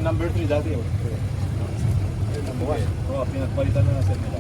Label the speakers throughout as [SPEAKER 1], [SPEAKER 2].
[SPEAKER 1] number 3 dati. Number 1. Oo, pinagpalitan na sa nila.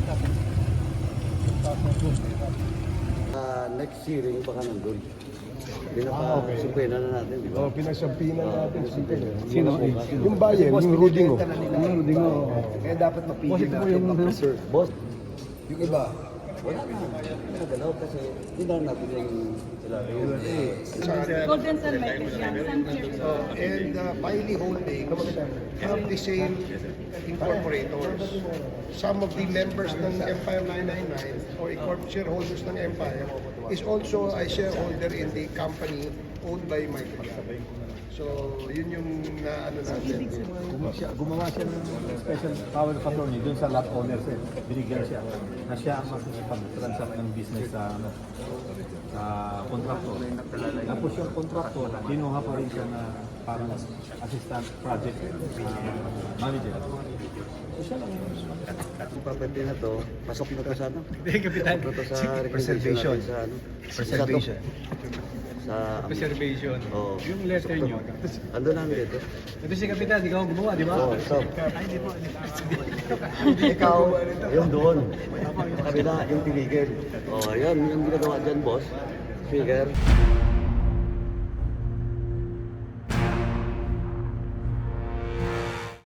[SPEAKER 2] Next hearing baka nandun. Pinapasumpinan na natin, di ba?
[SPEAKER 3] Oh, pinasumpinan natin.
[SPEAKER 2] Sino?
[SPEAKER 3] Yung bayan, yung Rudingo.
[SPEAKER 2] Kaya dapat mapigil natin. Boss,
[SPEAKER 3] Yung iba.
[SPEAKER 2] wala na. Nagalaw kasi hindi na natin yung sila.
[SPEAKER 4] Golden Sun Makers yan. Sun Cheers.
[SPEAKER 5] And Piley Holding have the same incorporators. Some of the members ng Empire 999 or shareholders ng Empire is also a shareholder in the company owned by Michael Yap. So, yun yung ano natin.
[SPEAKER 1] Gumawa siya ng special power of attorney dun sa lot owner siya. Binigyan siya na siya ang makikipag-transact ng business sa sa contractor. Tapos yung contractor, kinuha pa rin siya na parang assistant project manager. So siya lang yung
[SPEAKER 2] Property na to, pasok na to sa ano?
[SPEAKER 6] Hindi, Kapitan.
[SPEAKER 2] Pasok na to sa
[SPEAKER 6] Preservation.
[SPEAKER 2] Sa ano?
[SPEAKER 6] Preservation.
[SPEAKER 2] Sa
[SPEAKER 6] Preservation.
[SPEAKER 2] Oo.
[SPEAKER 6] Yung letter nyo.
[SPEAKER 2] Ando lang dito.
[SPEAKER 6] Ito si Kapitan, ikaw ang gumawa, di ba?
[SPEAKER 2] Oo, stop.
[SPEAKER 6] Ay, di po.
[SPEAKER 2] Ikaw, yung doon. Kabila, yung tinigil. Oh, yan, yung ginagawa dyan, boss. Figure.